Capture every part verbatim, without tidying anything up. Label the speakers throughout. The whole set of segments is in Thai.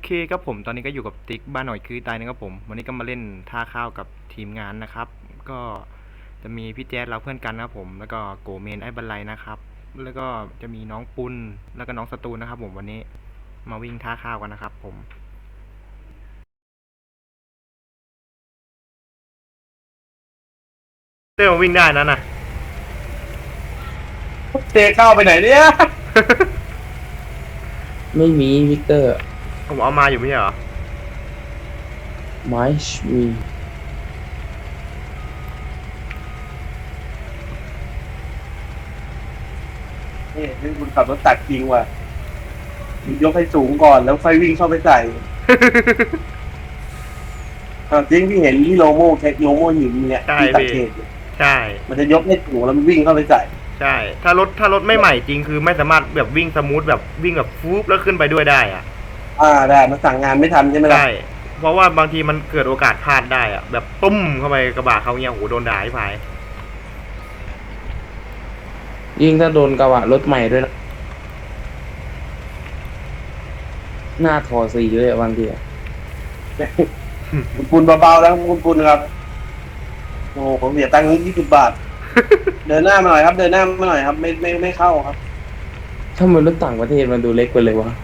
Speaker 1: เคครับผมตอนนี้ก็อยู่กับติ๊กบ้านหน่อยคือตายนะครับผมวันนี้ก็มาเล่นท่าข้าวกับทีมงานนะครับก็จะมีพี่แจ๊ดเราเพื่อนกันนะครับผมแล้วก็โกเมนไอ้บันไลนะครับแล้วก็จะมีน้องปุณแล้วก็น้องสตูนนะครับผมวันนี้มาวิ่งท่าข้าวกันนะครับผมเต้มาวิ่งได้นะนะ
Speaker 2: เทเข้าไปไหนเนี่ย
Speaker 3: ไม่มีวิกเตอร์
Speaker 1: ผมเอามาอยู่ไม่ใช่เหรอ
Speaker 3: ไมชมี
Speaker 2: นี่นี่คุณขับรถตัดจริงว่ะยกให้สูงก่อนแล้วไฟวิ่งเข้าไปใส่อ่าจริงพี่เห็นที่โลโม่เทคโลโม่หินเนี่ย
Speaker 1: ใช่
Speaker 2: ที่ตัด
Speaker 1: พี่
Speaker 2: เขต
Speaker 1: ใช่
Speaker 2: มันจะยกให้สูงแล้วมันวิ่งเข้าไปใส่
Speaker 1: ใช่ถ้ารถถ้ารถไม่ใหม่จริงคือไม่สามารถแบบวิ่งสมูทแบบวิ่งแบบฟูบแล้วขึ้นไปด้วยได้อะ
Speaker 2: อ่าได้มันสั่งงานไม่ทันใช่ไหมล่ะ
Speaker 1: ใช่เพราะว่าบางทีมันเกิดโอกาสพลาดได้อะแบบตุ้มเข้าไปกระบะเขาเนี่ยโหโดนด่าให้พาย
Speaker 3: ยิ่งถ้าโดนกระบะรถใหม่ด้วยนะหน้าถอสีเลยอะบางทีอะ
Speaker 2: คุณปุณเบาๆแล้วคุณปุณครับโอ้ผมเสียตังค์ยี่สิบบาท เดินหน้ามาหน่อยครับ เดินหน้ามาหน่อยครับ ไม่ไม่ไม่เข้าครับ
Speaker 3: ถ้ามันรถต่างประเทศมันดูเล็กไปเลยวะ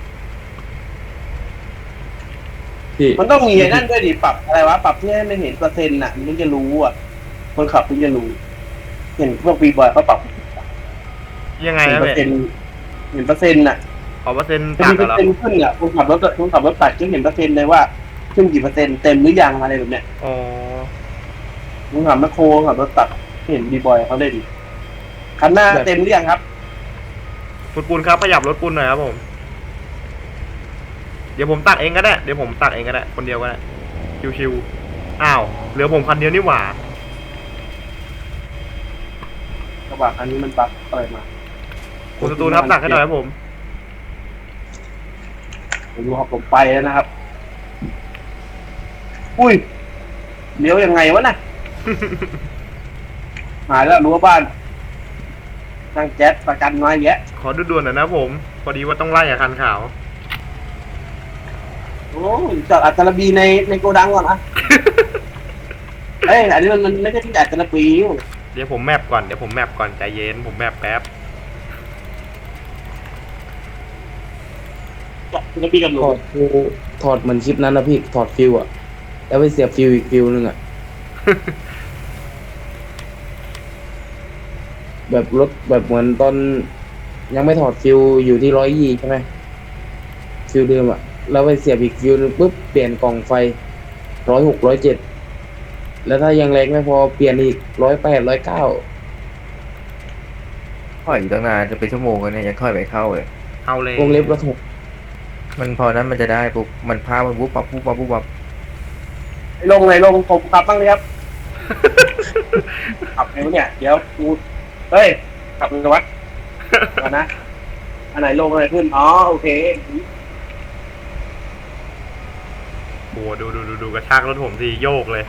Speaker 3: พี่
Speaker 2: มันต้องมีไอ้นั่นด้วยดิปรับอะไรวะปรับเพื่อให้มันเห็นเปอร์เซ็นต์น่ะมันถึงจะรู้อ่ะคนขับถึงจะรู้เห็นพวกปีบอยเขาปรับ
Speaker 1: ยังไง
Speaker 2: เห็น
Speaker 1: นะ
Speaker 2: เปอร์เซ็
Speaker 1: เพ่
Speaker 2: นต์เห็นเปอร์เซ็นต์น่ะ
Speaker 1: ขอเปอร์เซ็นต์
Speaker 2: ถ้า
Speaker 1: ต่าง
Speaker 2: มีเป
Speaker 1: กั
Speaker 2: อน ร์
Speaker 1: เหรอ
Speaker 2: เซ็นต์ขึ้นอ่ะคนขับรถคนขับรถตัดจะเห็นเปอร์เซ็นต์เลยว่าขึ้นกี่เปอร์เซ็นต์เต็มหรือยังอะไรแบบเนี้ย
Speaker 1: อ๋อ
Speaker 2: คนขับแมคโครคนขับรถตัดเห็นบีบอยเขาได้ดิคันหน้าเต็มหรือยังครับ
Speaker 1: ปุนปูนครับขยับรถปูนหน่อยครับผมเดี๋ยวผมตักเองก็ได้เดี๋ยวผมตักเองก็ได้คนเดียวก็ได้ชิวๆอ้าวเหลือผมคันเดียวนี่หว่าก
Speaker 2: ระบะคันนี้มันปักอะไรมา
Speaker 1: คุณสตูนครับตักให้หน่อยครับผม
Speaker 2: ผมดูครับผมไปแล้วนะครับ อุ้ยเลี้ยวยังไงวะน่ะ หายแล้วรั้วบ้านทางแจ๊สประกันมาแยะ
Speaker 1: ขอดูด่วนหน่อยนะผมพอดีว่าต้องไล่กับคันขาว
Speaker 2: โอ้ยจอดอัตราบีในในโกดังก่อนนะ เอ้ยอันนี้มันมันไม่ใช่ที่อัตราบี
Speaker 1: เดี๋ยวผมแมปก่อนเดี๋ยวผมแมปก่อนใจเย็นผมแมปแป๊บ
Speaker 2: อัตราบีกับหนู
Speaker 3: ถอดฟิวถอดเหมือนคลิปนั้นนะพี่ถอดฟิวอะแล้วไปเสียบฟิวอีกฟิวนึงอะ แบบรถแบบเหมือนตอนยังไม่ถอดฟิวอยู่ที่ร้อยยี่ใช่ไหมฟิวเดิมอะแล้วไปเสียบอีกฟิวนึงปุ๊บเปลี่ยนกล่องไฟร้อยหกร้อยเจ็ดแล้วถ้ายังแรงไม่พอเปลี่ยนอีกร้อยแปดร้อยเก้า
Speaker 4: ถอยอยู่ตั้งนานจะเป็นชั่วโมงแล้วเนี่ยยังถอยไม่เข้าเลย
Speaker 1: เอาเลยว
Speaker 3: งเล็บละหก
Speaker 4: มันพอนั้นมันจะได้ปุ๊บมันพามันวุบปับวุบปับวุบปับ
Speaker 2: ลงเลยลงผมขับบ้างเลยครับ ขับเร็วเนี่ย เดี๋ยวกูเฮ้ย ขับเลยวัดก่อนนะ อันไหนลงอะไรขึ้น อ๋อ โอเค
Speaker 1: โอ้ดูดูดูดูกระชากรถผมทีโยกเลย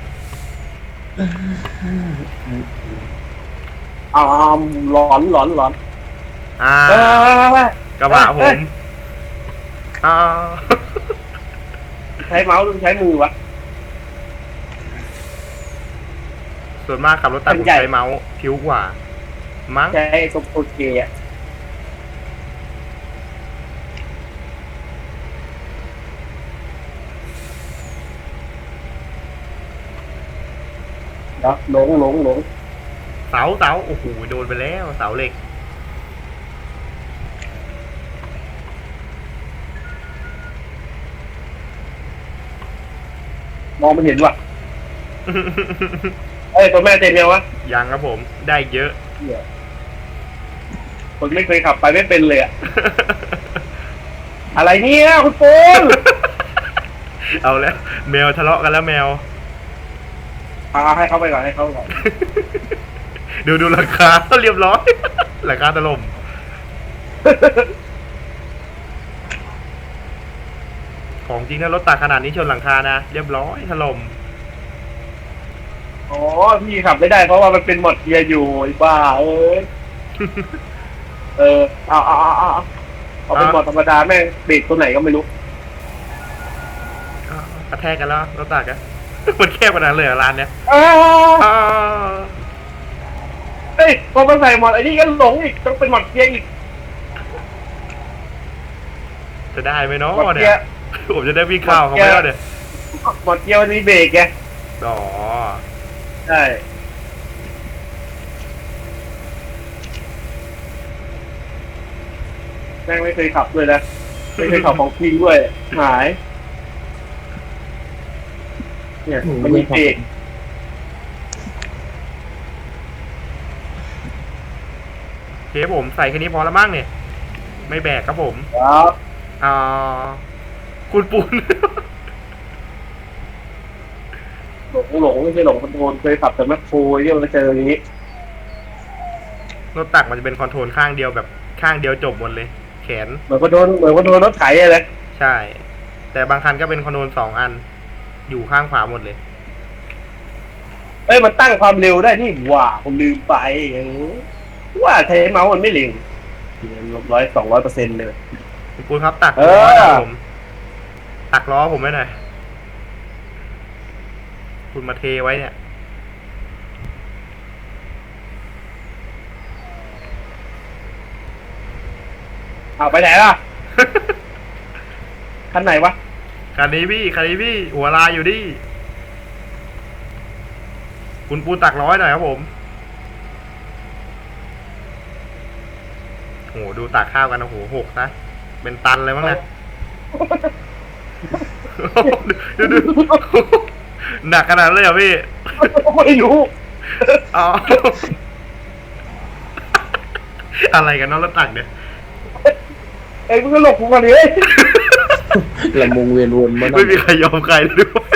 Speaker 2: เอาเอาหลอนหลอนหลอน
Speaker 1: อ่า
Speaker 2: เออก
Speaker 1: ระบะผมอ่า
Speaker 2: ใช้เมาส์หรือใช้มือวะ
Speaker 1: ส่วนมากขับรถตัดผม
Speaker 2: ใหญ่
Speaker 1: ใช้เมาส์ผิวกว่ามั้ง
Speaker 2: ใช้ตรงโอเคอะเดี๋ยวหลงหลงหลง
Speaker 1: เสาเสาโอ้โหโดนไปแล้วเสาเหล็ก
Speaker 2: มองไม่เห็นว่ะ เอ้ยตัวแม่เต็มยังวะ
Speaker 1: ยังครับผมได้เยอะ
Speaker 2: เหี้ยคนไม่เคยขับไปไม่เป็นเลยอะ อะไรเนี่ยคุณปูน
Speaker 1: เอาแล้วแมวทะเลาะกันแล้วแมว
Speaker 2: เอาให้เขาไปก่อนให้เขาไปก่อน
Speaker 1: ดูดูราคาเรียบร้อย ราคาถล่มของจริงนะรถตากขนาดนี้ชนหลังคานะเรียบร้อยถล่ม
Speaker 2: อ๋อพี่ขับไม่ได้เพราะว่ามันเป็นหมดเกียร์อยู่ไอ้บ้าเอ้ย เออเอาเอาเอาเอาเอาเป็นหมดธรรมดาแม่งเบรกตัวไหนก็ไม่รู้
Speaker 1: กระแทกกันแล้วรถตักอะ มันแคบขนาดนั้นเลยเหรอร้านเนี้ย
Speaker 2: อ้า
Speaker 1: อ้าว
Speaker 2: เฮ้ยพอมาใส่หมดไอ้นี่ก็หลงอีกต้องเป็นหมดเกียร์อีก
Speaker 1: จะได้ไหมเนาะ
Speaker 2: หมด
Speaker 1: เนี่
Speaker 2: เกีย
Speaker 1: ย
Speaker 2: ร์
Speaker 1: ผมจะได้วิ่งเข้าเขาไหมแล้วเนี่ย
Speaker 2: หมดเกียร์มันมีเบรกไง
Speaker 1: อ๋อ
Speaker 2: ใช่แม่งไม่เคยขับด้วยนะไม่เคยขับของจริงด้วยหายเนี่ยมันมีเบรก
Speaker 1: โอเคผมใส่แค่นี้พอแล้วมั้งเนี่ย ไม่แบกครับผม
Speaker 2: ครับ
Speaker 1: อ่าคุณปูน
Speaker 2: หลงหลงไม่ใช่หลงคอนโทรลเคยขับแต่แมคโครเยี่ยมมาเจออย่างนี้
Speaker 1: รถตักมันจะเป็นคอนโทรลข้างเดียวแบบข้างเดียวจบหมดเลย แขน
Speaker 2: เหมือนว่าโดนเหมือนว่าโดนรถไถอะไร
Speaker 1: ใช่ แต่บางคันก็เป็นคอนโทรลสองอัน อยู่ข้างขวาหมดเลย
Speaker 2: เอ้ยมันตั้งความเร็วได้นี่หว่าผมลืมไปเออว่าใช้เมาส์มันไม่เร็วลบร้อยสองร้อยเปอร์เซ็นต์เลย
Speaker 1: คุณปูนครับตัก
Speaker 2: เอ
Speaker 1: ล้
Speaker 2: อ
Speaker 1: อนะผม ตักล้อผมไว้หน่อยคุณมาเทไว้เนี่ย
Speaker 2: เอาไปไหนล่ะ คันไหนวะ
Speaker 1: คันนี้พี่คันนี้พี่ หัวลายอยู่ดิคุณปูนตักร้อยหน่อยครับผมโหดูตักข้าวกันโอ้โหหกนะเป็นตันเลยมั้งนะดูดูหนักขนาดนั้นเลยเหรอพี่
Speaker 2: ไม่รู้
Speaker 1: อ๋อ อะไรกันน้องรถตักเนี่ย
Speaker 2: เอ้ยมึงก็หลบกูก่อนดิ
Speaker 3: ละมุงเวียนวนมานั่
Speaker 1: ไม่
Speaker 3: ง
Speaker 1: มีใครยอมใครเลยด้วย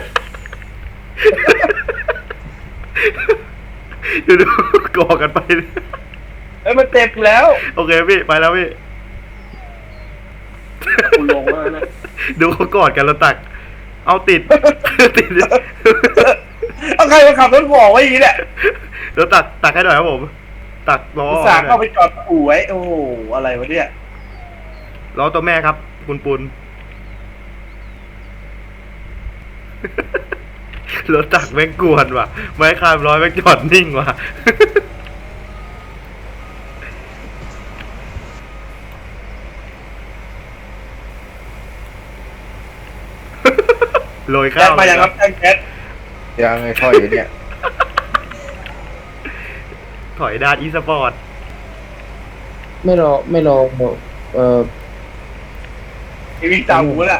Speaker 1: ดูดูก่อกันไป
Speaker 2: เอ้ยมันเจ็บแล้ว
Speaker 1: โอเคพี่ไปแล้วพี่
Speaker 2: กูลงแล้วนะ
Speaker 1: ดูเขากอดกันแล้วตัก เอาติด ติด
Speaker 2: เอาใครมาขับรถบอกไว้อย่างนี้แหละ
Speaker 1: เดี๋ยวตักตักให้หน่อยครับผม ตักล้อ
Speaker 2: อุตส่าห์เข้าไปจอดอู่ไว้โอ้โหอะไรวะเนี่ย
Speaker 1: ล้อตัวแม่ครับ ปุนปุน รถตักแม่งกวนว่ะ ไม้คามร้อยแม่งจอดนิ่งว่ะ โรย
Speaker 2: แก๊
Speaker 1: ข้า
Speaker 2: ส
Speaker 1: ว
Speaker 2: มาอย่างครับแก๊สแก๊ส
Speaker 4: ยังไงท่ออยู่เนี่ย
Speaker 1: ถอยด้านอีสปอร์ต
Speaker 3: ไม่รอไม่รอเอ่อ
Speaker 2: ไอ้วิ่งตามหูแหละ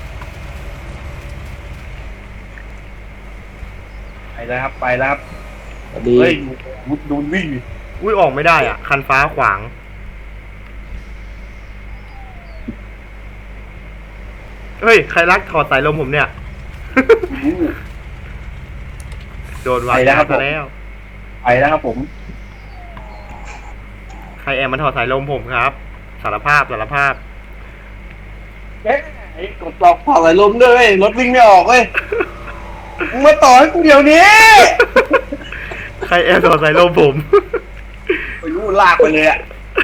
Speaker 2: ไปแล้วครับไปแล้วครับ
Speaker 3: ดี
Speaker 2: เฮ้ยดูดูวิ่งดิ
Speaker 1: อุ้ยออกไม่ได้อ่ะ คันฟ้าขวาง เฮ้ย ใครรักถอดสายลมผมเนี่ย
Speaker 2: อู้
Speaker 1: โดนวาง
Speaker 2: ไปแล้วครับ
Speaker 1: ซะแล้ว
Speaker 2: ไปแล้วครับผม
Speaker 1: ใครแอบมาถอดสายลมผมครับ สารภาพสารภาพ
Speaker 2: เอ๊ะไอ้กดล็อกผ่าไหลลมด้วยเว้ยรถวิ่งไม่ออกเว้ยมึงมาต่อให้กูเดี๋ยวนี้
Speaker 1: ใครแอบถอดสายลมผม
Speaker 2: ไปรู้ลากไปเลยอะ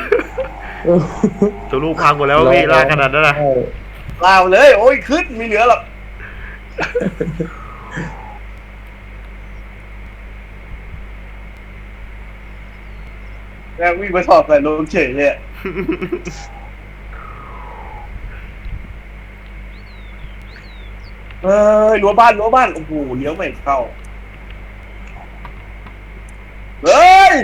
Speaker 1: ตัวลูกพังหมดแล้วพี่ลากขนาดนั้นนะ
Speaker 3: ใช่
Speaker 2: ลากไปเลย โอ้ยขึ้นไม่เหลือหรอกแม่งวิ่งไปสอบใส่ลมเฉยเลยอะเอ้ยรั้วบ้านรั้วบ้านโอ้โหเลี้ยวไม่เข้าเฮ้ย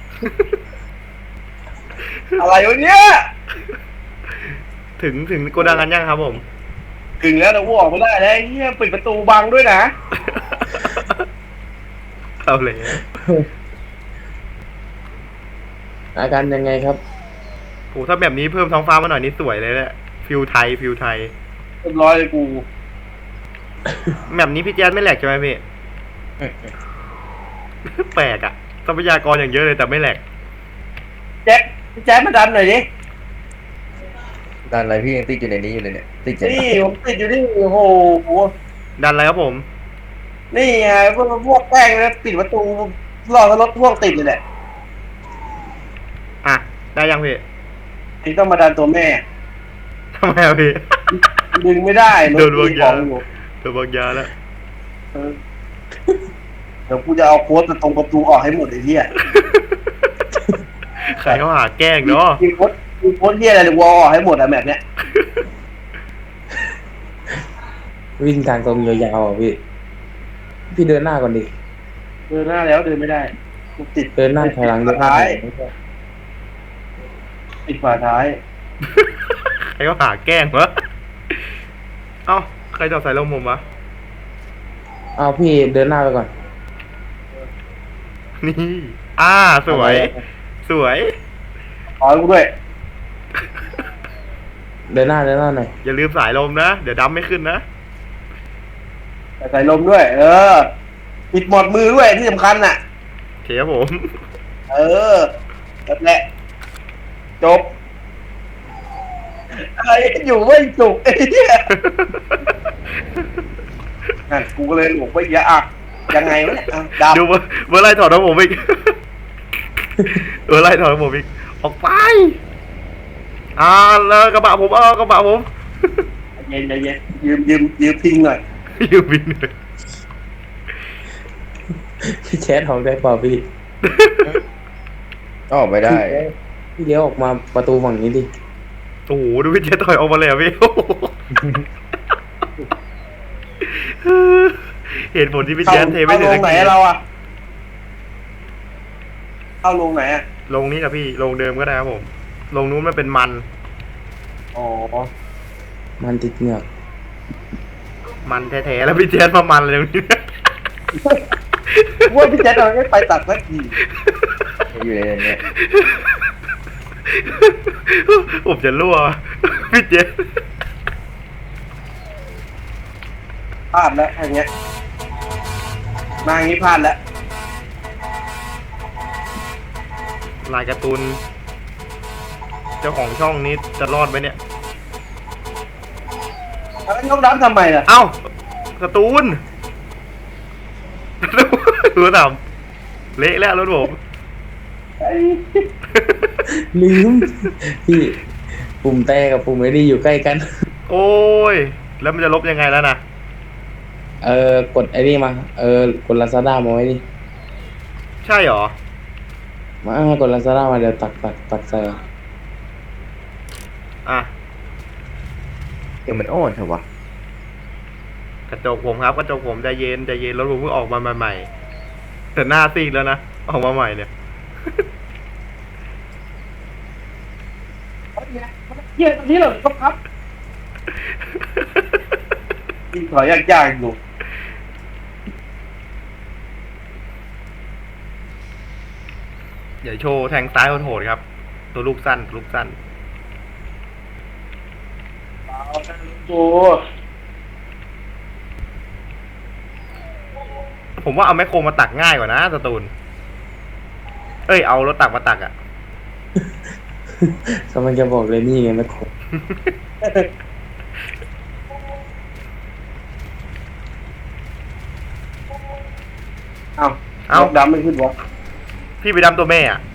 Speaker 2: อะไรวะเนี่ย
Speaker 1: ถึงถึงโกดังกันยังครับผม
Speaker 2: ถึงแล้วนะกูออกไม่ได้แล้วไอ้เฮียปิดประตูบังด้วยนะ
Speaker 1: เอาเลย
Speaker 3: อาการยังไงครับ
Speaker 1: โหถ้าแบบนี้เพิ่มท้องฟ้ามาหน่อยนี่สวยเลยแหละฟิวไทยฟิวไทย
Speaker 2: เรียบร้อยเลยกู
Speaker 1: แบบนี้พี่แจ๊ดไม่แหลกใช่ไหมพี่ แปลกอะทรัพยากรอย่างเยอะเลยแต่ไม่แหลก
Speaker 2: แจ็คแจ็คมาดันหน่อยดิ
Speaker 4: ด้านอะไรพี่ยังติดอยู่ในนี้อยู่เลยเนี่ย ติดอยู่
Speaker 2: นี่ผมติดอยู่นี่โอ้โห
Speaker 1: ดันอะไรครับผม
Speaker 2: นี่ไงพวกพวกแป้งนะติดประตูรอแล้วรถพ่วงติดเลยแหละ
Speaker 1: อ่ะ ได้ยังพี่
Speaker 2: นี่ต้องมาดันตัวแม่
Speaker 1: ทำไมอะพี่
Speaker 2: ดึงไม่ได้รถ
Speaker 1: โดนวาง
Speaker 2: มีข
Speaker 1: ยา
Speaker 2: องอยู่
Speaker 1: ตัวบางยาแล้ว
Speaker 2: เออเดี๋ยวกูจะเอาโค้ดตรงประตูออกให้หมดไอ้เหี้ย
Speaker 1: ใครเขาหาแกล้งเนาะ
Speaker 2: มีโค้ดมีโค้ดเหี้ยอะไรเดี๋ยวกูเอาออกให้หมดอะแบบเนี้ย
Speaker 3: วิ่งทางตรงยาวๆอ่ะพี่ พี่เดินหน้าก่อนดิ
Speaker 2: เดินหน้าแล้วเดินไม่ได้กูติด
Speaker 3: เดินหน้าถอยหลังเดินหน้าถ
Speaker 2: ท้า
Speaker 3: อย
Speaker 2: ย
Speaker 3: หลัง
Speaker 2: ติดฝาท้าย
Speaker 1: ใครเขาหาแกล้งวะเอ้าใครจะใส่ลงมุมวะ
Speaker 3: เอาพี่เดินหน้าไปก่อน
Speaker 1: นี่อ่าสวย สวย
Speaker 2: ขอให้กูด้วย
Speaker 3: เดินหน้าเดินหน้าหน่อย
Speaker 1: อย่าลืมสายลมนะ เดี๋ยวดำไม่ขึ้นนะ
Speaker 2: แต่ใส่ลมด้วย เออปิดหมดมือด้วยที่สำคัญน่ะ
Speaker 1: โอเคครับผม
Speaker 2: เออแบบแหละจบอะไรอยู่ไม่สุกไอ้เหี้ยนั่นกูก็เลยหลงไปเยอะอ่ะยังไงวะเนี่ยอ่ะดำ
Speaker 1: ดูเมื่อเมื่อไรถอดของผมอีก เมื่อไรถอดของผมอีก ออกไป อ่าแล้วกระบะผมเอากระบะผม
Speaker 2: เย็นใจเย็นยืมยืมยืมทิ้งหน่อย
Speaker 1: อยู่บินเลย
Speaker 3: พี่แชทของได้เปล่าพี่
Speaker 4: ออกไม่ได้
Speaker 3: พี่เลี้ยวออกมาประตูฝั่งนี้ดิ
Speaker 1: โอ้โหดูพี่เจถอยออกมาเลยอ่ะพี่ เหตุผลที่พี่
Speaker 2: เข้า
Speaker 1: เจเทไม่
Speaker 2: เข้า
Speaker 1: ถึ
Speaker 2: ล
Speaker 1: ง
Speaker 2: งไหนอะเราอะเข้าลงไหนอะ
Speaker 1: ลงนี้กับพี่ ลงเดิมก็ได้ครับผม ลงนู้นมันเป็นมัน
Speaker 2: อ๋อ
Speaker 3: มันติดเหงือก
Speaker 1: มันแท้ๆแล้วพี่เจมามันอะไรตรงนี้
Speaker 2: ว่าพี่แจ๊ดเราไม่ไปตัดสักที
Speaker 4: อยู่ในนี้
Speaker 1: ผมจะรั่ว พี่เจ
Speaker 2: พลาดแล้วอย่างเงี้ยมาอย่างงี้พลาดแล้ว
Speaker 1: ลายการ์ตูน เจ้าของช่องนี้จะรอดไหมเนี่ย
Speaker 2: แล้วยกน้ำทำไมล่ะ
Speaker 1: เอ้าการ์ตูน ดูทำเละแล้วรถผม
Speaker 2: ไอ้
Speaker 3: ลืม พี่ปุ่มแต่กับปุ่มไอ้นี่อยู่ใกล้กัน
Speaker 1: โอ้ย แล้วมันจะลบยังไงแล้วนะ
Speaker 3: เออกดไอ้นี่มา เออกดลาซาด้ามาไว้ดิ
Speaker 1: ใช่เหรอ
Speaker 3: มากดลาซาด้ามาเดี๋ยวตักตักตักใส่
Speaker 1: อ่ะ
Speaker 4: เดี๋ยวมันอ่อนเถอะวะ
Speaker 1: กระจกผมครับ กระจกผมใจเย็นใจเย็นรถผมเพิ่งออกมาใหม่ๆแต่หน้าซีดแล้วนะ ออกมาใหม่เนี่ย
Speaker 2: เหี้ยตรงนี้เหรอครับครับยิ่งถอยยากๆอยู่
Speaker 1: อย่าโชว์แทงซ้ายโหดๆครับ ตัวลูกสั้นตัวลูกสั้น
Speaker 2: โอ้
Speaker 1: ผมว่าเอาแมคโครมาตักง่ายกว่านะสตูน เอ้ยเอารถตักมาตักอ่ะ
Speaker 3: กำลังจะบอกเลยนี่ไงแม่โค
Speaker 2: เอา
Speaker 1: เอ้า
Speaker 2: ยกดำไม่ขึ้นวะ
Speaker 1: พี่ไปดำตัวแม่อ่ะ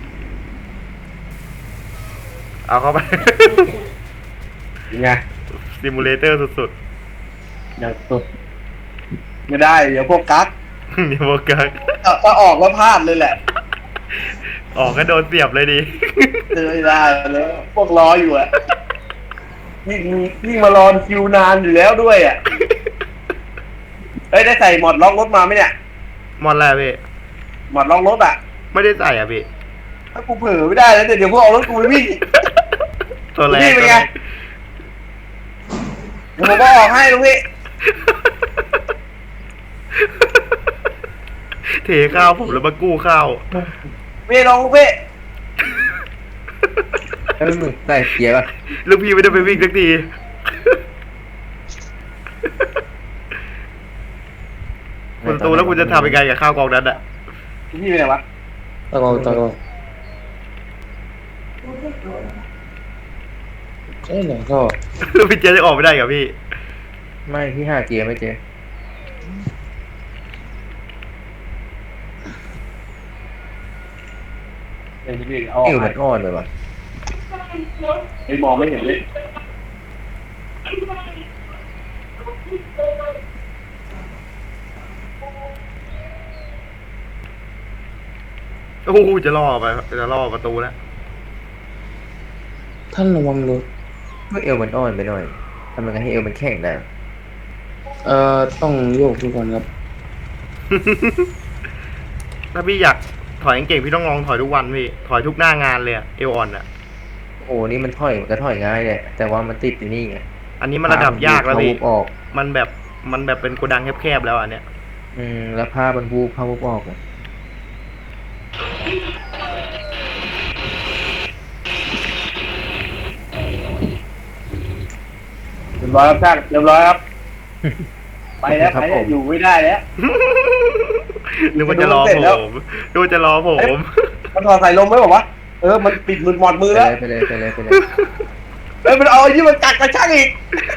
Speaker 1: เอาเข้าไป
Speaker 2: ยังไง
Speaker 1: ซิมูเลเตอร์สุด
Speaker 2: อย่างสุดไม่ได้ เดี๋ยวพวกกั๊ก
Speaker 1: ๆ เดี๋ยวบอกกัน
Speaker 2: ถ้าถ้าออกแล้วพลาดเลยแหละ
Speaker 1: ออกก็โดนเสียบเลยดี
Speaker 2: เจอไม่ได้แล้วพวกรออยู่อะยิ่งยิ่งมารอคิวนานอยู่แล้วด้วยอะเฮ้ยได้ใส่หมอดล็อกรถมาไหมเนี่ย
Speaker 1: มอนแล้วพี่
Speaker 2: หมอดล็อกรถอะ
Speaker 1: ไม่ได้ใส่อ่ะพี่
Speaker 2: ถ้ากูเผลอไม่ได้แล้วเดี๋ยวพวกเอารถกูไปวิ่ง
Speaker 1: ตัวแรก
Speaker 2: พี่เป็นไง เดี๋ยวผมก็ออกให้ลุงพี่
Speaker 1: เทข้าวผมแล้วมากู้ข้าว
Speaker 2: พี่ลองลุงพี่
Speaker 4: แล้วมึงใส่เกียร์ป่ะ
Speaker 1: ลูกพี่ไม่ได้ไปวิ่งสักที คุณตูแล้วคุณจะทำยังไงกับข้าวกองนั้นอ่ะ
Speaker 2: พี่เป็นไงวะ
Speaker 3: ตะโกนตะโกนเอ้ยไหนก็
Speaker 1: แล้วพี่เจจะออกไม่ได้กับพี่
Speaker 4: ไม่พี่หาเกียร์ไม่เจอ
Speaker 2: เดี๋ยวพี่เอาอ
Speaker 4: เอ
Speaker 2: อ
Speaker 4: ว
Speaker 2: ก
Speaker 4: มั
Speaker 2: ให้
Speaker 4: นอ่อนเลยวะ
Speaker 2: ไอ้มองไม่เห็นเลย
Speaker 1: โอ้โหจะล่อไปจะล่อประตูแล้ว
Speaker 3: ท่านระวังรถ
Speaker 4: ก็เอวมันอ่อนไปหน่อยทำยังไงให้เอวมันแข็งได้
Speaker 3: เอ่อต้องโยกทุกคนครับ
Speaker 1: ถ้าพี่อยากถอยเก่งๆพี่ต้องลองถอยทุกวันพี่ถอยทุกหน้างานเลยอะเอวอ่อนอะ
Speaker 4: โอ้นี่มันถอยมันก็ถอยง่ายแหละแต่ว่ามันติดที่นี่ไง
Speaker 1: อันนี้มันระดับยากแล้วพี่
Speaker 4: ผ้าวุบออก
Speaker 1: มันแบบมันแบบเป็นโกดังแคบๆแล้วอันเนี้ย
Speaker 4: อืมแล้วผ้ามันวูบผ้าวุบออกอะ
Speaker 2: เรียบร้อยครับท่านเรียบร้อยครับ ไปแล้วไปแล้วอยู่ไม่ได้แล้ว
Speaker 1: นึกว่าจะรอ
Speaker 2: เสร็จแล้ว
Speaker 1: ผมนึกว่าจะรอผม
Speaker 2: มันถอดสายลมไหมบอกว่าเออมันปิดมือหมอดมือ
Speaker 4: ไป
Speaker 2: แล้ว
Speaker 4: เลยไปเลยไปเลยไปเลย
Speaker 2: เออมันเอาไอ้ที่มันกัดกระชากอีก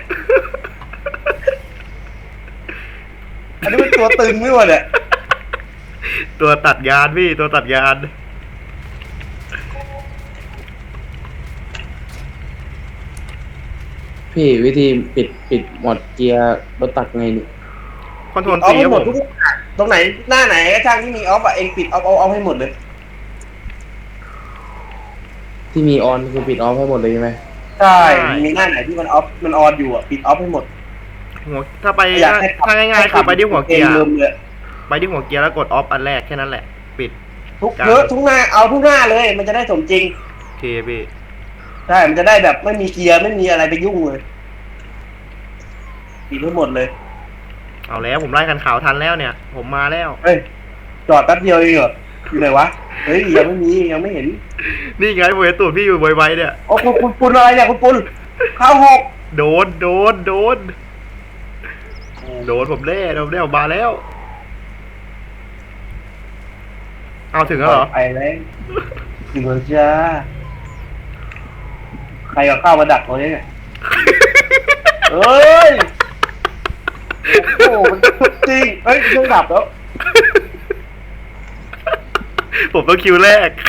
Speaker 2: อันนี้มันตัวตึงไม่หมดเนี่ย
Speaker 1: ตัวตัดยานพี่ตัวตัดยาน
Speaker 3: พี่วิธีปิดปิดหมดเกียร์รถตักไงนี่
Speaker 1: คอนโทรล
Speaker 2: เอา
Speaker 1: ซี
Speaker 2: ให้
Speaker 1: ครับ
Speaker 2: หม
Speaker 1: ผ
Speaker 2: ด
Speaker 1: ม
Speaker 2: ทุกอย่างตรงไหนหน้าไหนก็ช่างที่มีออฟอะเองปิดออฟเอาเอาให้หมดเลย
Speaker 3: ที่มีออนคือปิดออฟให้หมดเลยใช่ไหม
Speaker 2: ใช่มีหน้าไหนที่มันออฟมันออนอยู่อะปิดออฟให้หมด
Speaker 1: หัวถ้าไป
Speaker 2: อยากให้ขับ
Speaker 1: ถ้าง่ายๆคือไปที่หัวเกียร์
Speaker 2: เริ่มเลย
Speaker 1: ไปที่หัวเกียร์แล้วกดออฟอันแรกแค่นั้นแหละ ปิด
Speaker 2: ทุกเยอะทุกหน้าเอาทุกหน้าเลย มันจะได้สมจริง
Speaker 1: โอเคพี่
Speaker 2: ใช่ มันจะได้แบบไม่มีเกียร์ไม่มีอะไรไปยุ่งเลยปิดให้หมดเลย
Speaker 1: เอาแล้วผมไล่คันขาวทันแล้วเนี่ย ผมมาแล้ว
Speaker 2: เฮ้ยจอดแป๊บเดียวเองเหรออยู่ไหนวะเฮ้ยยังไม่มียังไม่เห็น
Speaker 1: นี่ไงผมเห็นตูดพี่อยู่ไวๆเนี่ย
Speaker 2: โอ้คุณคุณปุนอะไรเนี่ยคุณปุนข้าวหก
Speaker 1: โดนโดนโดนโดนผมแน่โดนแน่ผมมาแล้ว เอาถึงแล้วเหรอ
Speaker 2: ไปเลยถึงแล้วจ้าใครเอาข้าวมาดักเราเนี่ยเอ้ยโอ้โหมันจริงเฮ้ยเครื่องดับแล้ว
Speaker 1: ผมต้องคิวแรก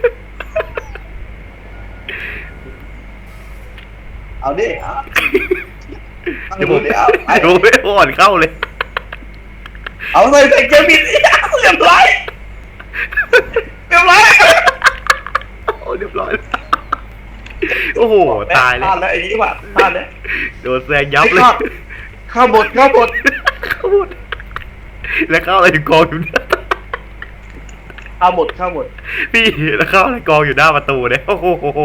Speaker 2: เอาดิเอา
Speaker 1: เดี๋ยวผม
Speaker 2: เอาไป
Speaker 1: เดี๋ยวไม่อ่อนเข้าเลย
Speaker 2: เอาเลยใส่เกียร์บิดเรียบร้อยเรียบร้อย
Speaker 1: โอ้เรียบร้อยโอ้โหตายเลย
Speaker 2: พลาดแล้วไอ้นี่ว่ะพลาดแล้ว
Speaker 1: โดนแซงยับเลย
Speaker 2: ข้าวบดข้าวบด
Speaker 1: เข้าหมดแล้วเข้าอะไรกองอยู่เนี่ย
Speaker 2: ข้าวบดข้าวบด
Speaker 1: พี่แล้วเข้าอะไรกองอยู่หน้าประตูเนี่ยโอ้โห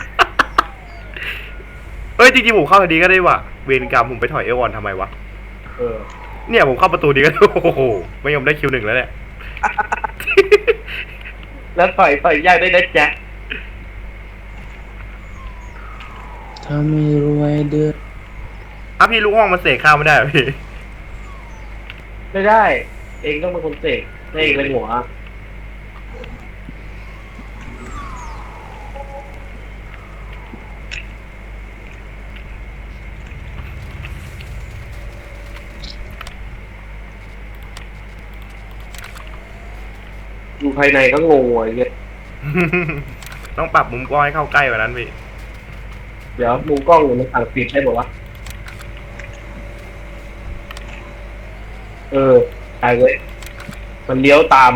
Speaker 1: เอ้ยจริงๆผมเข้าทางนี้ก็ได้ว่ะเวรกรรมผมไปถอยเอวอนทำไมวะ
Speaker 2: เออ
Speaker 1: เนี่ยผมเข้าประตูนี้ก็ได้โอ้โหไม่ยอมได้คิวหนึ่งแล้วเนี่ย
Speaker 2: แล้วต่อยต่อยยากได้นะจ๊ะ
Speaker 3: ถ้าไม่รวยเดือด
Speaker 1: อ่ะพี่ลูกห้องมันเสกข้าวไม่ได้เหรอพี่
Speaker 2: ไม่ได้ เองต้องเป็นคนเสกให้เองเป็นหัวดูภายในก็งงว่ะไอ้เงี้ย
Speaker 1: ต้องปรับมุมกล้องให้เข้าใกล้กว่านั้นพี่
Speaker 2: เดี๋ยวมุมกล้องเนี่ยมันต่างปิดใช่ป่าวะเออตายเลยมันเลี้ยวตาม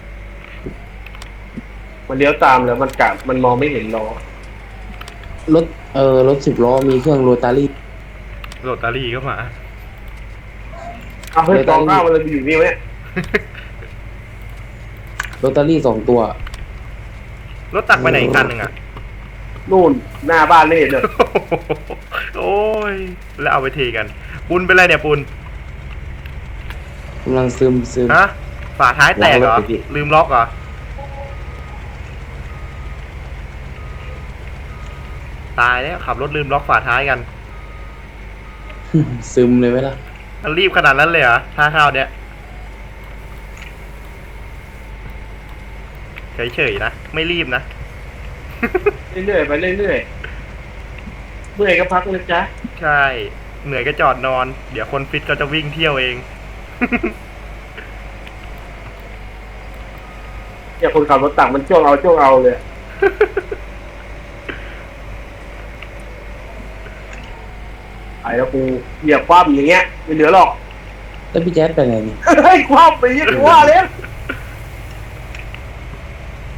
Speaker 2: มันเลี้ยวตามแล้วมันกะมันมองไม่เห็นล้อ
Speaker 3: รถเออรถสิบล้อมีเครื่องโรตารี่
Speaker 1: โรตารี่ก็มา
Speaker 2: เอาเฮ้ยกองข้าวมันเลยไปอยู่นี่วะเนี่ย
Speaker 3: โรตารี่สองตัว
Speaker 1: รถตักไปไหนอีกคันหนึ่งอ่ะ
Speaker 2: นู่นหน้าบ้านไม่เห็นเลย
Speaker 1: โอ้ยแล้วเอาไปเทกันปุนเป็นไรเนี่ยปุน
Speaker 3: กำลังซึมซึม
Speaker 1: ฮะฝาท้ายแตกเหรอ
Speaker 3: ล็อกรถไปดิ
Speaker 1: ลืมล็อกเหรอตายแล้วขับรถลืมล็อกฝาท้ายกัน
Speaker 3: ซึมเลยไหมล่ะ
Speaker 1: มันรีบขนาดนั้นเลยเหรอท่าข้าวเนี้ยเฉยๆนะไม่รีบนะ
Speaker 2: เรื่อยๆไปเรื่อยๆเมื่อยก็พักนะจ๊ะ
Speaker 1: ใช่ เหนื่อยก็จอดนอน เดี๋ยวคนฟิตก็จะวิ่งเที่ยวเอง
Speaker 2: เนี่ยคนขับรถตักมันจ้วงเอาจ้วงเอาเลยไอ้แล้วกูเหยียบคว่ำอย่างเงี้ยไม่เหลือหรอก
Speaker 3: แล้วพี่แจ๊ดไปไหนนี่
Speaker 2: เฮ้ยคว่ำไปยี่กูว่าเลย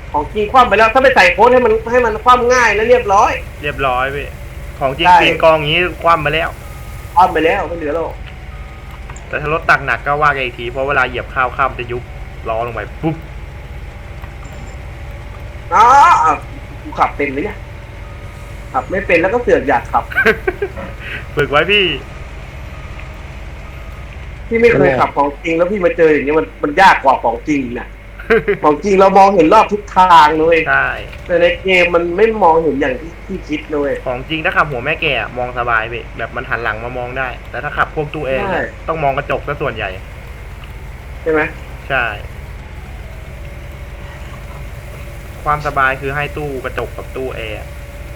Speaker 2: ของจริงคว่ำไปแล้วถ้าไปใส่โค้ดให้มันให้มันคว่ำง่ายแล้วเรียบร้อย
Speaker 1: เรียบร้อยพี่ของจริง
Speaker 2: ใช่
Speaker 1: ปีนกองอย่างนี้คว่ำไปแล้ว
Speaker 2: คว่ำไปแล้วไม่เหลือแล้ว
Speaker 1: แต่ถ้ารถตักหนักก็ว่ากันอีกทีเพราะเวลาเหยียบข้าวข้ามจะยุบล้อลงไปปุ๊บ
Speaker 2: อ๋อกูขับเป็นไหมเนี่ยขับไม่เป็นแล้วก็เสือกอยากขับ
Speaker 1: ฝึกไว้พี่
Speaker 2: พี่ไม่เคยขับของจริงแล้วพี่มาเจออย่างเงี้ยมันมันยากกว่าของจริงนะ ของจริงเรามองเห็นรอบทุกทางเลย
Speaker 1: ใช่
Speaker 2: แต่ในเกมมันไม่มองเห็นอย่างที่ที่คิดเลย
Speaker 1: ของจริงถ้าขับหัวแม่แก่มองสบายพี่แบบมันหันหลังมามองได้ แต่ถ้าขับพวกตู้เองเนี่ยต้องมองกระจกซะส่วนใหญ่
Speaker 2: ใช่ไหม
Speaker 1: ใช่ ความสบายคือให้ตู้กระจกกับตู้แอร์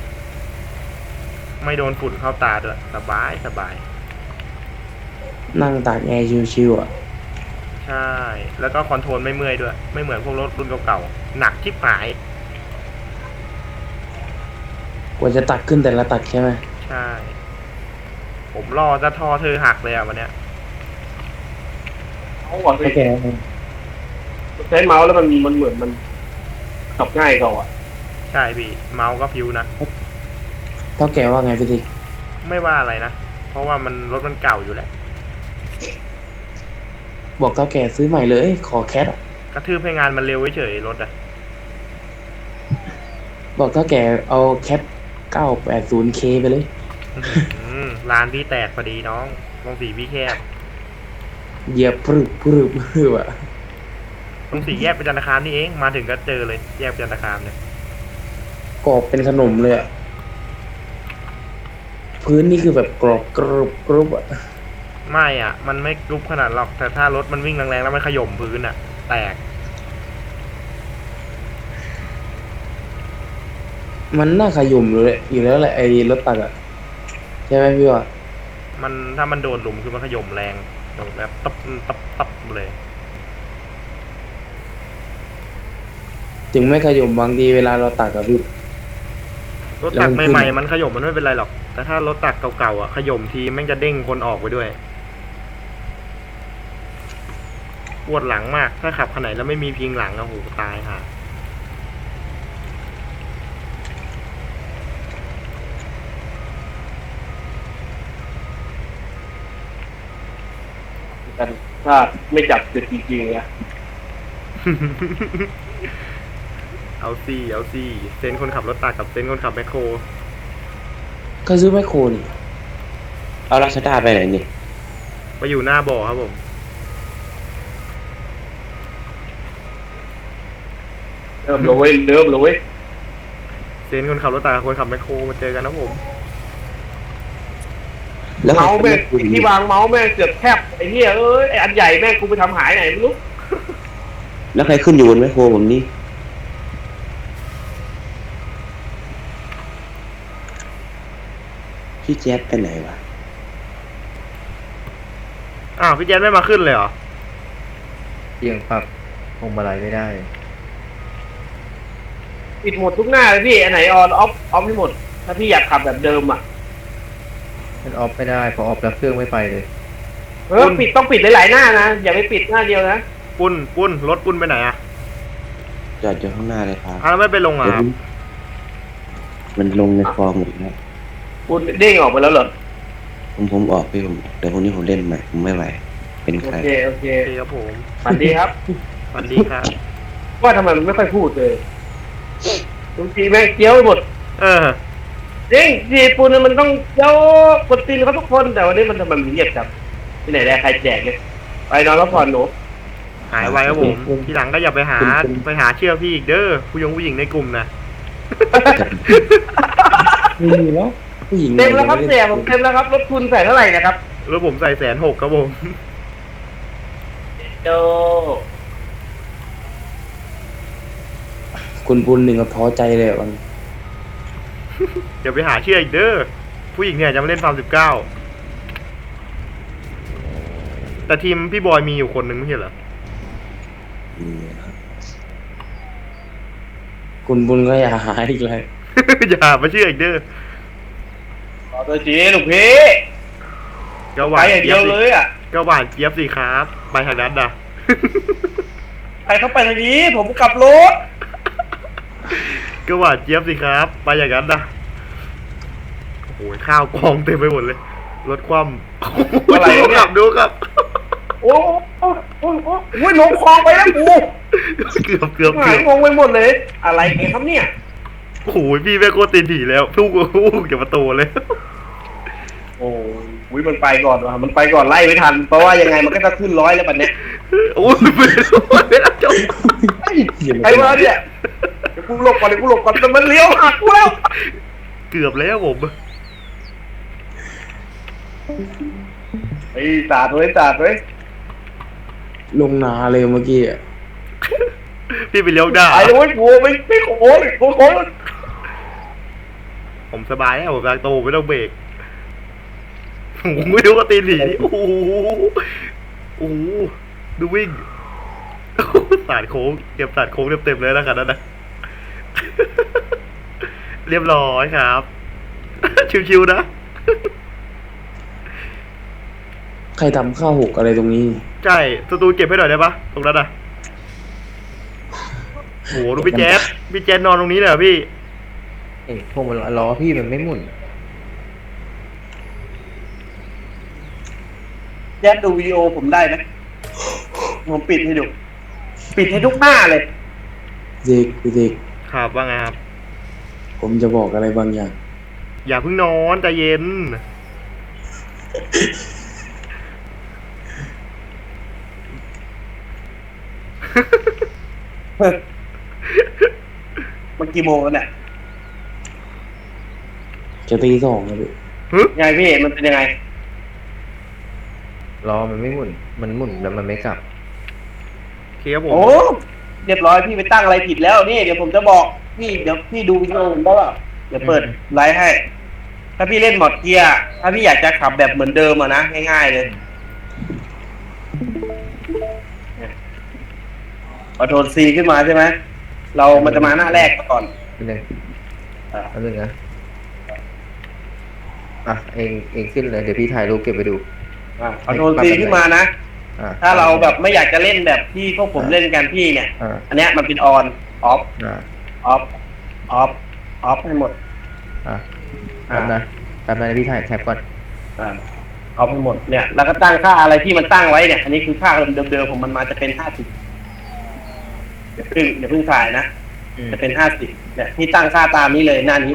Speaker 1: ไม่โดนฝุ่นเข้าตาด้วยสบายสบาย
Speaker 3: นั่งตากแอร์ชิวๆอ่ะ
Speaker 1: ใช่ แล้วก็คอนโทรลไม่เมื่อยด้วย ไม่เหมือนพวกรถรุ่นเก่าๆหนักชิบหาย
Speaker 3: กว่าจะตักขึ้นแต่ละตักใช่ไหม
Speaker 1: ใช่ ผมรอจะทอเธอหักเลยอ่ะวันเนี้ย
Speaker 2: เขาบอกเล
Speaker 3: โอย เค
Speaker 2: ใช้เมาส์แล้วมันมันเหมือนมันขับง่ายกว่าอ่ะ
Speaker 1: ใช่พี่ เมาส์ก็พิวนะ
Speaker 3: เท่าแก่ว่าไงพี่ติ๊ก
Speaker 1: ไม่ว่าอะไรนะ เพราะว่ามันรถมันเก่าอยู่แหละ
Speaker 3: บอกเท่าแก่ซื้อใหม่เลยขอแคทอะ
Speaker 1: กระทืบให้งานมันเร็วเฉยๆรถอ่ะ
Speaker 3: บอกเท่าแก่เอาแคท เก้าแปดศูนย์เค ไปเลย
Speaker 1: อืมร้านพี่แตกพอดีน้องตรงสีพี่แคบ
Speaker 3: เหยียบพรึบพรึบพรึบอ่ะ
Speaker 1: ตรงสี่แยกประจันตคามนี่เอง มาถึงก็เจอเลย แยกประจันตคามเนี่ย
Speaker 3: กรอบเป็นขนมเลยอะพื้นนี่คือแบบกรอบกรุบกรุบอ่ะ
Speaker 1: ไม่อ่ะ มันไม่กรุบขนาดหรอก แต่ถ้ารถมันวิ่งแรงๆแล้วมันขย่มพื้นอ่ะ แตก
Speaker 3: มันน่าขยุ่มเลยอยู่แล้วแหละไอ้รถตักอ่ะใช่ไหมพี่ว่า
Speaker 1: มันถ้ามันโดนหลุมคือมันขย่มแรงแบบตับตับตับเลย
Speaker 3: ถึงไม่ขยุ่มบางทีเวลาเราตักอะพี่
Speaker 1: รถตัก
Speaker 3: แล้วมันขึ้น
Speaker 1: ใหม่ๆมันขย่มมันไม่เป็นไรหรอก แต่ถ้ารถตักเก่าๆอ่ะขย่มทีแม่งจะเด้งคนออกไปด้วย ปวดหลังมาก ถ้าขับคันไหนแล้วไม่มีพิงหลังอะโหตายค่ะ
Speaker 2: กันถ้าไม่จับจุดจริงๆนะ
Speaker 1: เอาซี่เอาซี่เซนคนขับรถตักกับเซนคนขับแมคโคร
Speaker 3: ก็ซื้อไมคโครนี่
Speaker 5: เอาราชดาไปไหนนี่
Speaker 1: ไปอยู่หน้าบ่อครับผม
Speaker 2: เริ่มเลยเว้ยเริ่มเลยเว้ย
Speaker 1: เซนคนขับรถตักกับคนขับแมคโครมาเจอกันนะผม
Speaker 5: แล้ว
Speaker 2: เมาส์แม่ง
Speaker 5: คุณ
Speaker 2: ที่วางเมาส์แม่งเกือบแคบไอ้เหี้ยเอ้ยไอ้อันใหญ่แม่งกูไปทำหายไหนไม่รู้
Speaker 5: แล้วใครขึ้นอยู่บนแมคโครผมนี่พี่แจ๊ดไปไหนวะ
Speaker 1: อ้าวพี่แจ๊ดไม่มาขึ้นเลยเหรอ
Speaker 4: เอียงปรับพวงมาลัยไม่ได้
Speaker 2: ปิดหมดทุกหน้าเลยพี่อันไหนออนออฟออฟไม่หมด ถ้าพี่อยากขับแบบเดิมอ่ะ
Speaker 4: มันออฟไม่ได้พอออฟแล้วเครื่องไม่ไปเลย
Speaker 2: เออปิดต้องปิดหลายๆหน้านะอย่าไปปิดหน้าเดียวนะ
Speaker 1: ปุ้นปุ้นรถปุ้นไปไหนอะ
Speaker 5: จอดอยู่ข้างหน้าเลยครับ
Speaker 1: อ้าวแล้วไม่ไปลงอ่ะครับ
Speaker 5: มันลงในฟอร์มหมดแล้ว
Speaker 2: คุณเด้งออกไปแล้วเหรอ
Speaker 5: ผมผมออกพี่ผมเดี๋ยวพรุ่งนี้ผมเล่นใหม่ผมไม่ไหว เป็น
Speaker 2: โอ
Speaker 5: ใคร
Speaker 2: เคโอเค
Speaker 1: โอเคครับผม
Speaker 2: สวัสดีครับ
Speaker 1: สวัสดีครับ
Speaker 2: ว่าทำไมมันไม่ค่อยพูดเลยบางทีแม่งเกี้ยวไปหมด
Speaker 1: เออ
Speaker 2: จริงจีปูนมันต้องเกี้ยวกดตีนเขาทุกคนแต่วันนี้มันทำไมมันเงียบจังที่ไหนได้ใครแจกเนี่ยไปนอนพักผ่อนหนู
Speaker 1: หายไวครับผม ทีหลังก็อย่าไปหาไปหาเชื่อพี่อีกเด้อผู้ยงผู้หญิงในกลุ่มนะ
Speaker 3: ไม่มีแล้วผู้หญิง
Speaker 2: เต็มแล้วครับ
Speaker 3: ยังไได้
Speaker 2: เสียผมเต็มแล้วครับรถคุณใส่เท่าไหร่นะครับ
Speaker 1: แล้วผมใส่แสนหกครับผม
Speaker 2: โจ
Speaker 3: คุณปุณหนึ่งก็ท้อใจเลยอะมัน
Speaker 1: เดี๋ยวไปหาเชื่ออีกเด้อผู้หญิงเนี่ยจะมาเล่นฟาร์มสิบเก้าแต่ทีมพี่บอยมีอยู่คนหนึ่งไม่ใช่เหรอ
Speaker 5: อืมครับ
Speaker 3: คุณปุณก็อย่าหาอีกเลย
Speaker 1: อย่ามาเชื่ออีกเด้อ
Speaker 2: ขอตัวจีลูกพี่
Speaker 1: ก็ห
Speaker 2: ไป
Speaker 1: วาน
Speaker 2: อย่างเดี
Speaker 1: เจี๊ย
Speaker 2: ยว
Speaker 1: บ
Speaker 2: เล
Speaker 1: สิ
Speaker 2: ยอ่ะ
Speaker 1: ก็หวานเจี๊ยบสิครับ ไปทางนั้นนะ
Speaker 2: ใครเข้าไปทางนี้ผมกลับรถ
Speaker 1: ก็หวานเจี๊ยบสิครับไปอย่างนั้นนะโอ้โหข้าวกองเต็มไปหมดเลยรถคว่ำ
Speaker 2: อะไร
Speaker 1: ดู
Speaker 2: เนี่
Speaker 1: ค
Speaker 2: ย
Speaker 1: รับดูครับ
Speaker 2: โอ้โอ้โอ้โอ้โอ้ยลงคลองไปแล้วกู
Speaker 1: เกือบเกือบ
Speaker 2: หา
Speaker 1: เกื
Speaker 2: ย
Speaker 1: อบ
Speaker 2: งงไปหมดเลย อะไรกันครับเนี่ย
Speaker 1: โอ้โหพี่แม่งโคตรตีนผีแล้วพุ่งพุ่งจากประตูเลย
Speaker 2: โอ้ยมันไปก่อนว่ะมันไปก่อนไล่ไม่ทัน เพราะว่ายังไงมันก็จะขึ้นร้อยแล้วปันเนี้ย
Speaker 1: โอ้ยไม่ไม่รับจบ
Speaker 2: ไอ้ไอ้มาเนี่ยเดี๋ยวกูหลบก่อนเดี๋ยวกูหลบก่อนแต่มันเลี้ยวหักกูแล้ว
Speaker 1: เกือบแล้วผม
Speaker 2: ไอ้ตาดไว้ตาดไว้
Speaker 3: ลงนาเลยเมื่อกี้อะ
Speaker 1: พี่ไปเลี้ยวได้า
Speaker 2: ไอ้เว้ยกูไม่ไม่โอ้ยโอ้ยโอ้ย
Speaker 1: ผมสบายแล้วผมกลางโตไม่ต้องเบรกโอ้โหไม่รู้ว่าตีนผีนี่โอ้โหโอ้โหดูวิ่งสาดโค้งเก็บสาดโค้งเต็มๆเลยนะขนาดนั้นนะ เรียบร้อยครับ ชิวๆนะ
Speaker 3: ใครทำข้าวหกอะไรตรงนี้
Speaker 1: ใช่สตูเก็บให้หน่อยได้ปะตรงนั้นอ่ะโหดูพี่แจ๊ดพี่แจ๊ดนอนตรงนี้เลยเหรอพี่
Speaker 4: เอ้ยพวกมันล้อพี่มันไม่หมุน
Speaker 2: แจ๊ดดูวิดีโอผมได้ไหมผมปิดให้ดู ปิดให้ทุกหน้าเลย
Speaker 3: เด็กเด็ก
Speaker 1: ครับว่าไงครับ
Speaker 3: ผมจะบอกอะไรบางอย่าง
Speaker 1: อย่าเพิ่งนอนใจเย็น
Speaker 2: มันกี่โมงแล้วเนี่ย
Speaker 3: จะตีสองแล้วพี่
Speaker 2: ไงพี่มันเป็นยังไง
Speaker 4: ล้อมันไม่หมุน มันหมุนแล้วมันไม่กลับ
Speaker 1: โอเคครับผม
Speaker 2: โอ้เรียบร้อยพี่ไปตั้งอะไรผิดแล้วนี่เดี๋ยวผมจะบอกพี่เดี๋ยวพี่ดูวิดีโอผมได้ป่ะเดี๋ยวเปิดไลฟ์ให้ ถ้าพี่เล่นหมดเกียร์ถ้าพี่อยากจะขับแบบเหมือนเดิมอะนะง่ายๆเลยพอโทนซีขึ้นมาใช่ไหมเรามันจะมาหน้าแรกก่อน
Speaker 4: เป็นหนึ่ง
Speaker 2: อ่า
Speaker 4: อันหนึ่งนะอ่ะเองเองขึ้นเลยเดี๋ยวพี่ถ่ายรูปเก็บไปดู
Speaker 2: อ่าพอโทนซีขึ้นมานะ
Speaker 4: อ่ะ
Speaker 2: ถ้าเราแบบไม่อยากจะเล่นแบบที่พวกผมเล่นกันพี่เนี่ย
Speaker 4: อ่า
Speaker 2: อันเนี้ยมันเป็นออนออฟ
Speaker 4: อ่า
Speaker 2: ออฟออฟออฟให้หมด
Speaker 4: อ่ะ
Speaker 2: อ่า
Speaker 4: แป๊บนะแป๊บนะพี่ถ่ายแคปก่อน
Speaker 2: อ่าเอาไปหมดเนี่ย แล้วก็ตั้งค่าอะไรที่มันตั้งไว้เนี่ย อันนี้คือค่าเดิมๆผมมันมาจะเป็นห้าสิบเดี๋ยวเพิ่งเดี๋ยวเพิ่งถ่ายนะ
Speaker 4: อืม
Speaker 2: จะเป็นห้าสิบเนี่ยที่ตั้งค่าตามนี้เลยหน้านี้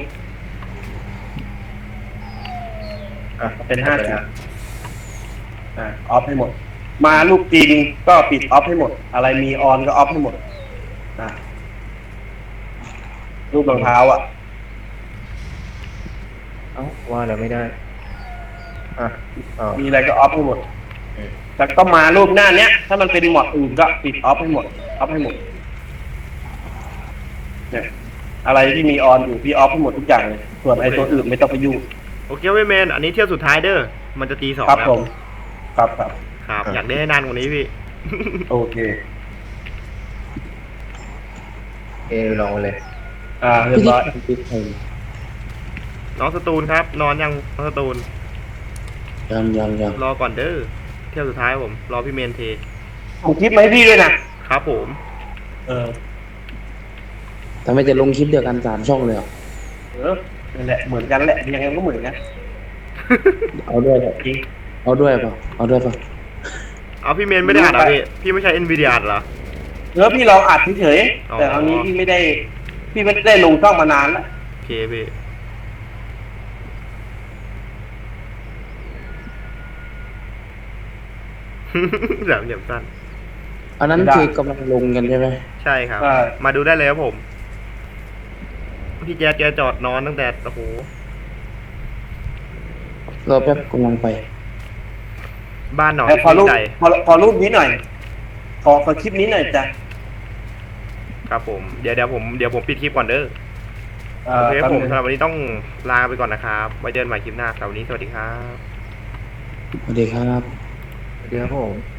Speaker 4: อ่ะ
Speaker 2: เป็นห้าสิบอ่าออฟให้หมด มาลูกจริงก็ปิดออฟให้หมด อะไรมีออนก็ออฟให้หมดอ่ารูปรองเท้าอ่ะ
Speaker 4: เอ้าว่าแล้วไม่ได้ อ่ะอ๋อ
Speaker 2: มีอะไรก็ออฟให้หมด
Speaker 4: อืม
Speaker 2: แล้วก็มารูปหน้าเนี้ย ถ้ามันเป็นหมวดอื่นก็ปิดออฟให้หมดออฟให้หมดเนี่ยอะไรที่มีออนอยู่พี่ออฟให้หมดทุกอย่างเลยส่วนไอ้ตัวอื่นไม่ต้องไปยุ่ง
Speaker 1: โอเคเว้ยแมนอันนี้เที่ยวสุดท้ายเด้อมันจะตีสอง
Speaker 2: ครับ
Speaker 1: แล้ว
Speaker 2: ผม ครับครับ
Speaker 1: ครับ อยากได้ให้นานกว่านี้พี่
Speaker 2: โอเค
Speaker 4: เอลองมาเลย
Speaker 2: อ่าเรียบร้อย
Speaker 3: พี่ใคร
Speaker 1: น้องสตูนครับ นอนยังน้องสตูน
Speaker 3: ยังยังยัง
Speaker 1: รอก่อนเด้อเที่ยวสุดท้ายผม รอพี่เมนเท
Speaker 2: ผมคลิปมาให้พี่ด้วยนะครับ
Speaker 1: ผม
Speaker 2: เออ
Speaker 3: ทำไมจะลงคลิปเดียวกันสามช่องเลยเหรอ
Speaker 2: เออนั่นแหละเหมือนกันแหละยังไงก็เหมือนกัน
Speaker 3: เอาด้วยเปล่า
Speaker 2: จริง
Speaker 3: เอาด้วยเปล่าเอาด้วยเปล่า
Speaker 1: เอาพี่เมนไม่ได้อัดเหรอพี่พี่ไม่ใช่ NVIDIA อัดเหรอ
Speaker 2: เออพี่ลองอัดเฉย
Speaker 1: อ๋อ
Speaker 2: ๆแต่อันนี้พี่ไม่ได้ พี่ไม่ได้ลงช่องมานานแล้ว
Speaker 1: โอเคพี่ สามเหลี่ยมสั้น
Speaker 3: อันนั้นคือกำลังลงกันใช่ไหม
Speaker 1: ใช่ครับ
Speaker 2: ใช่
Speaker 1: มาดูได้เลยครับผม พี่แจ๊ดแกจอดนอนตั้งแต่โอ้โห
Speaker 3: รอแป๊บกำลังไป
Speaker 1: บ้านหนอน
Speaker 2: แต่ขอรูป
Speaker 1: ใจ
Speaker 2: ขอขอรูปนี้หน่อย ขอขอคลิปนี้หน่อยจ้ะ
Speaker 1: ครับผม เดี๋ยวเดี๋ยวผมเดี๋ยวผมปิดคลิปก่อนเด้อ
Speaker 2: อ่า
Speaker 1: โอเคครับผม
Speaker 2: แป๊บนึง
Speaker 1: สำหรับวันนี้ต้องลาไปก่อนนะครับ ไว้เจอกันใหม่คลิปหน้าสำหรับวันนี้สวัสดีครับ
Speaker 3: สวัสดีครับ
Speaker 4: เดี๋ยวครับผม